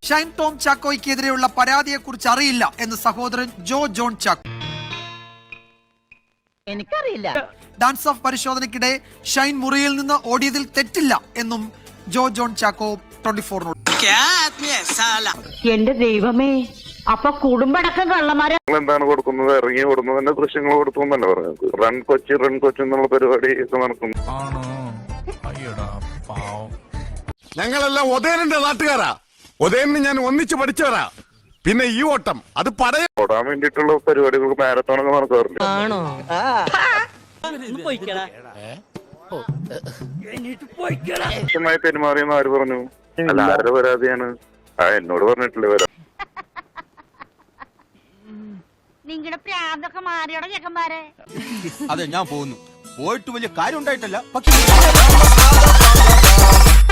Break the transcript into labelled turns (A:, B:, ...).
A: Shine Tom ചാക്കോയ്ക്കെതിരെയുള്ള പരാതിയെക്കുറിച്ച് അറിയില്ല എന്ന് സഹോദരൻ ജോ ജോൺ ചാക്കോ.
B: എനിക്കറിയില്ല.
A: ഡാൻസ് ഓഫ് പരിശോധനയ്ക്കിടെ ഷൈൻ മുറിയിൽ നിന്ന് ഓടിയതിൽ തെറ്റില്ല എന്നും ജോ ജോൺ ചാക്കോ 24
B: എന്റെ ദൈവമേ, അപ്പൊ കുടുംബടക്കം കള്ളന്മാരെ
C: എന്താണ് കൊടുക്കുന്നത്? ഇറങ്ങി കൊടുക്കുന്നതിന്റെ ദൃശ്യങ്ങൾ കൊടുത്തു എന്നല്ലേ പറഞ്ഞത്. റൺ കൊച്ചി എന്നുള്ള പരിപാടി ഒക്കെ നടക്കുന്നു.
D: ഞങ്ങളെല്ലാം ഉദയനന്റെ നാട്ടുകാരാ. ഉദയനെ ഞാൻ ഒന്നിച്ച് പഠിച്ചവരാ. പിന്നെ ഈ ഓട്ടം അത്
C: ഓടാൻ വേണ്ടിയിട്ടുള്ള പരിപാടികൾക്ക് മാരത്തോണൊക്കെ നടക്കാറില്ല.
B: ആണോ?
C: മോശമായി പെരുമാറിയെന്ന് ആര് പറഞ്ഞു? അല്ല, ആരുടെ പരാതിയാണ്? എന്നോട് പറഞ്ഞിട്ടില്ലേ വരാം.
B: നിങ്ങളുടെ പ്രാന്തൊക്കെ മാറിയോടെ ചെക്കന്മാരെ.
E: അതെ, ഞാൻ പോകുന്നു. പോയിട്ട് വലിയ കാര്യം ഉണ്ടായിട്ടല്ല, പക്ഷെ